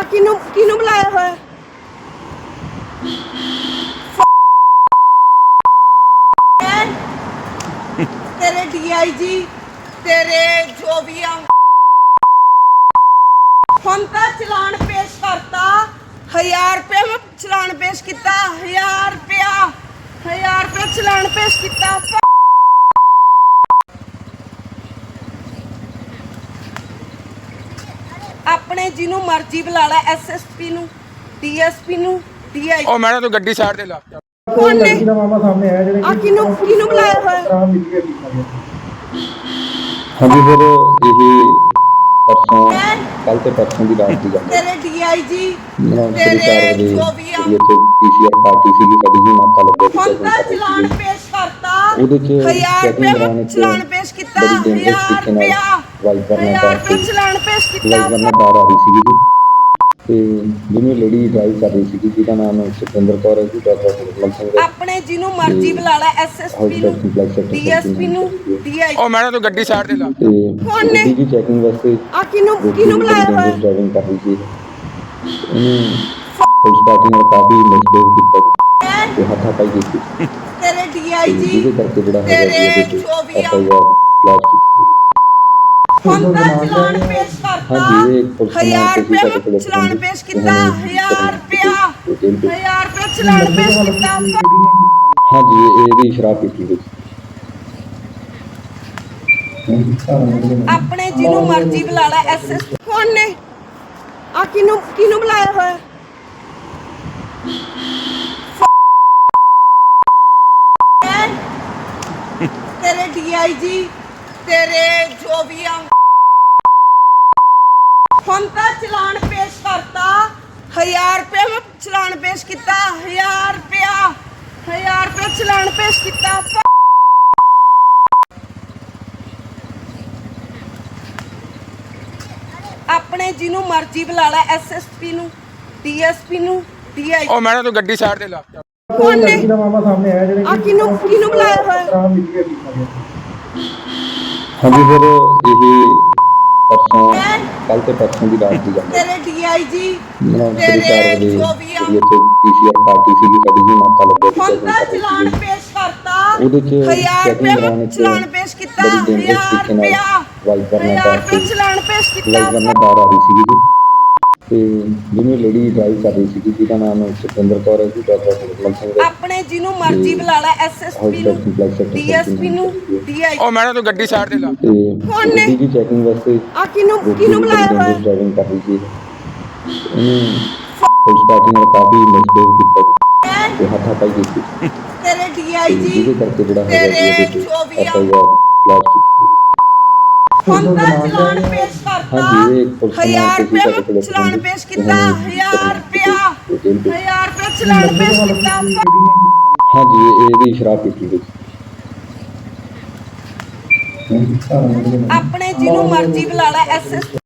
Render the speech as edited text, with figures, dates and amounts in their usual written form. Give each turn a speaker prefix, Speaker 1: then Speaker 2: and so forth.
Speaker 1: ਆ ਕਿਨੂੰ ਬੁਲਾਇਆ ਹੋਇਆ? ਤੇਰੇ ਡੀਆਈਜੀ ਤੇਰੇ ਜੋ ਵੀ ਆ ਹੁਣ ਤਾਂ ਚਲਾਨ ਪੇਸ਼ ਕਰਤਾ 1000 ਰੁਪਏ ਮੈਂ ਚਲਾਨ ਪੇਸ਼ ਕੀਤਾ 1000 ਰੁਪਏ ਚਲਾਨ ਪੇਸ਼ ਕੀਤਾ। ਆਪਣੇ ਜਿਹਨੂੰ ਮਰਜ਼ੀ ਬੁਲਾ ਲੈ ਐਸਐਸਪੀ ਨੂੰ ਡੀਐਸਪੀ ਨੂੰ ਡੀਆਈ।
Speaker 2: ਉਹ ਮੈਡਮ ਤੂੰ ਗੱਡੀ ਸਾਈਡ ਤੇ ਲਾ।
Speaker 1: ਕੌਣ ਨੇ?
Speaker 3: ਲੜਕੀ ਦਾ ਮਾਮਾ ਸਾਹਮਣੇ ਆਇਆ ਜਿਹੜੇ
Speaker 1: ਆ ਕਿਨੂੰ ਬੁਲਾਇਆ ਹੋਇਆ?
Speaker 4: ਹਾਂਜੀ ਫਿਰ ਇਹ ਪਰਸੋਂ ਕੱਲ ਤੇ ਪਰਸੋਂ ਦੀ ਰਾਤ ਦੀ ਗੱਲ ਹੈ।
Speaker 1: ਤੇਰੇ ਡੀਆਈਜੀ
Speaker 4: ਤੇਰੇ
Speaker 1: ਤੇਰੇ ਜੋ ਵੀ ਆ
Speaker 4: ਜਿਹੜੀ ਇੱਥੇ ਪੀਸੀਆਰ ਪਾਰਟੀ ਸੀਗੀ ਸਾਡੀ ਜੀ ਨਾਕਾ ਲੱਗਿਆ
Speaker 1: ਹੁਣ ਤਾਂ ਚਲਾਨ ਪੇਸ਼ ਕਰਤਾ
Speaker 4: ਉਹਦੇ ਚ
Speaker 1: 1000
Speaker 4: ਚੈਕਿੰਗ ਦੌਰਾਨ
Speaker 1: ਰੁਪਏ
Speaker 4: ਇੱਕ
Speaker 1: ਚਲਾਨ ਪੇਸ਼ ਕੀਤਾ
Speaker 4: ਬੜੀ dangerous
Speaker 1: 1000
Speaker 4: ਤਰੀਕੇ ਨਾਲ ਵਾਈਪਰ ਨਾਲ
Speaker 1: 1000 ਰੁਪਏ ਚਲਾਨ ਪੇਸ਼ ਕੀਤਾ।
Speaker 4: ਵਾਈਪਰ ਨਾਲ ਬਾਹਰ ਆ ਰਹੀ ਸੀਗੀ ਜੀ ਤੇ ਜਿਹਨੂੰ ਲੇਡੀ ਡਰਾਈਵ ਕਰ ਰਹੀ ਸੀਗੀ ਜਿਹਦਾ ਨਾਮ ਸੁਖਿੰਦਰ ਕੌਰ ਹੈ ਜੀ ਡਾਕਟਰ ਸੁਖਮਨ ਸਿੰਘ ਹੈ।
Speaker 1: ਆਪਣੇ ਜਿਹਨੂੰ ਮਰਜ਼ੀ ਬੁਲਾ ਲੈ ਐਸਐਸਪੀ ਨੂੰ ਡੀਐਸਪੀ ਨੂੰ ਡੀਆਈ।
Speaker 2: ਉਹ ਮੈਡਮ ਤੂੰ ਗੱਡੀ ਸਾਈਡ ਤੇ ਲਾ।
Speaker 4: ਤੇ
Speaker 1: ਕੌਣ ਨੇ?
Speaker 4: ਜੀ ਚੈਕਿੰਗ ਵਾਸਤੇ
Speaker 1: ਆ ਕਿਨੂੰ ਬੁਲਾਇਆ ਹੋਇਆ?
Speaker 4: ਡਰਾਈਵਿੰਗ ਕਰ ਰਹੀ ਸੀ ਇਹਨੂੰ ਪੁਲਿਸ ਪਾਰਟੀ ਨਾਲ ਕਾਫੀ ਮਿਸਬਿਹੇਵ ਕੀਤਾ ਤੇ ਹੱਥਾਪਾਈ ਕੀਤੀ
Speaker 1: ਤੇਰੇ ਡੀਆਈਜੀ
Speaker 4: ਜਿਹਦੇ ਕਰਕੇ ਜਿਹੜਾ ਹੈਗਾ ਜੀ
Speaker 1: ਤੇਰੇ
Speaker 4: ਇਹਦੇ
Speaker 1: ਜੋ ਵੀ ਆ
Speaker 4: ਲਾਜ ਕੀਤੀ
Speaker 1: ਹੁਣ ਤਾਂ ਚਲਾਨ ਪੇਸ਼ ਕਰਤਾ
Speaker 4: ਹਾਂਜੀ ਇਹ ਪੁਲਿਸ
Speaker 1: 1000 ਰੁਪਏ ਚਲਾਨ ਪੇਸ਼ ਕੀਤਾ 1000 ਰੁਪਏ ਚਲਾਨ ਪੇਸ਼ ਕੀਤਾ।
Speaker 4: ਹਾਂਜੀ ਇਹਦੀ ਸ਼ਰਾਬ ਪੀਤੀ ਗਈ
Speaker 1: ਆਪਣੇ ਜਿਹਨੂੰ ਮਰਜ਼ੀ ਬੁਲਾ ਲੈ ਐਸਐਸ। ਕੌਣ ਨੇ? ਆ ਕਿਨੂੰ ਬੁਲਾਇਆ ਹੋਇਆ? ਤੇਰੇ ਡੀਆਈਜੀ ਤੇਰੇ ਜੋ ਵੀ ਆ ਹੁਣ ਤਾਂ ਚਲਾਨ ਪੇਸ਼ ਕਰਤਾ 1000 ਰੁਪਏ ਮੈਂ ਚਲਾਨ ਪੇਸ਼ ਕੀਤਾ 1000 ਰੁਪਏ ਚਲਾਨ ਪੇਸ਼ ਕੀਤਾ। ਆਪਣੇ ਜਿਹਨੂੰ ਮਰਜ਼ੀ ਬੁਲਾ ਲੈ ਐਸਐਸਪੀ ਨੂੰ ਡੀਐਸਪੀ ਨੂੰ ਡੀਆਈ।
Speaker 2: ਉਹ ਮੈਡਮ ਤੂੰ ਗੱਡੀ ਸਾਈਡ ਤੇ ਲਾ।
Speaker 1: ਕੌਣ ਨੇ?
Speaker 3: ਲੜਕੀ ਦਾ ਮਾਮਾ ਸਾਹਮਣੇ ਆਇਆ ਜਿਹੜੇ
Speaker 1: ਆ ਕਿਨੂੰ ਬੁਲਾਇਆ ਹੋਇਆ?
Speaker 4: ਹਾਂਜੀ ਫਿਰ ਇਹ ਪਰਸੋਂ ਕੱਲ ਤੇ ਪਰਸੋਂ ਦੀ ਰਾਤ ਦੀ ਗੱਲ ਹੈ।
Speaker 1: ਤੇਰੇ ਡੀਆਈਜੀ
Speaker 4: ਤੇਰੇ
Speaker 1: ਤੇਰੇ ਜੋ ਵੀ ਆ
Speaker 4: ਜਿਹੜੀ ਇੱਥੇ ਪੀਸੀਆਰ ਪਾਰਟੀ ਸੀਗੀ ਸਾਡੀ ਜੀ ਨਾਕਾ ਲੱਗਿਆ
Speaker 1: ਹੁਣ ਤਾਂ ਚਲਾਨ ਪੇਸ਼ ਕਰਤਾ
Speaker 4: ਉਹਦੇ ਚ
Speaker 1: 1000
Speaker 4: ਚੈਕਿੰਗ ਦੌਰਾਨ
Speaker 1: ਰੁਪਏ
Speaker 4: ਇੱਕ
Speaker 1: ਚਲਾਨ ਪੇਸ਼ ਕੀਤਾ
Speaker 4: ਬੜੀ dangerous
Speaker 1: 1000
Speaker 4: ਤਰੀਕੇ ਨਾਲ ਵਾਈਪਰ ਨਾਲ
Speaker 1: 1000 ਰੁਪਏ ਚਲਾਨ ਪੇਸ਼ ਕੀਤਾ।
Speaker 4: ਵਾਈਪਰ ਨਾਲ ਬਾਹਰ ਆ ਰਹੀ ਸੀਗੀ ਜੀ ਤੇ ਜਿਹਨੂੰ ਲੇਡੀ ਡਰਾਈਵ ਕਰ ਰਹੀ ਸੀਗੀ ਜਿਹਦਾ ਨਾਮ ਸੁਖਿੰਦਰ ਕੌਰ ਹੈ ਜੀ ਡਾਕਟਰ ਸੁਖਮਨ ਸਿੰਘ ਹੈ।
Speaker 1: ਆਪਣੇ ਜਿਹਨੂੰ ਮਰਜ਼ੀ ਬੁਲਾ ਲੈ ਐਸਐਸਪੀ ਨੂੰ ਡੀਐਸਪੀ ਨੂੰ ਡੀਆਈ।
Speaker 2: ਉਹ ਮੈਡਮ ਤੂੰ ਗੱਡੀ ਸਾਈਡ ਤੇ ਲਾ।
Speaker 4: ਤੇ
Speaker 1: ਕੌਣ ਨੇ?
Speaker 4: ਜੀ ਚੈਕਿੰਗ ਵਾਸਤੇ
Speaker 1: ਆ ਕਿਨੂੰ ਬੁਲਾਇਆ ਹੋਇਆ?
Speaker 4: ਡਰਾਈਵਿੰਗ ਕਰ ਰਹੀ ਸੀ ਇਹਨੂੰ ਪੁਲਿਸ ਪਾਰਟੀ ਨਾਲ ਕਾਫੀ ਮਿਸਬਿਹੇਵ ਕੀਤਾ ਤੇ ਹੱਥਾਪਾਈ ਕੀਤੀ
Speaker 1: ਤੇਰੇ ਡੀਆਈਜੀ
Speaker 4: ਜਿਹਦੇ ਕਰਕੇ ਜਿਹੜਾ ਹੈਗਾ ਜੀ
Speaker 1: ਤੇਰੇ
Speaker 4: ਇਹਦੇ
Speaker 1: ਜੋ ਵੀ ਆ
Speaker 4: ਲਾਜ ਕੀਤੀ
Speaker 1: ਹੁਣ ਤਾਂ ਚਲਾਨ ਪੇਸ਼ ਕਰਤਾ
Speaker 4: ਹਾਂਜੀ ਇਹ ਪੁਲਿਸ
Speaker 1: 1000 ਰੁਪਏ ਚਲਾਨ ਪੇਸ਼ ਕੀਤਾ 1000 ਰੁਪਏ ਚਲਾਨ ਪੇਸ਼ ਕੀਤਾ।
Speaker 4: ਹਾਂਜੀ ਇਹਦੀ ਸ਼ਰਾਬ ਪੀਤੀ ਗਈ
Speaker 1: ਆਪਣੇ ਜਿਹਨੂੰ ਮਰਜ਼ੀ ਬੁਲਾ ਲੈ ਐਸਐਸ।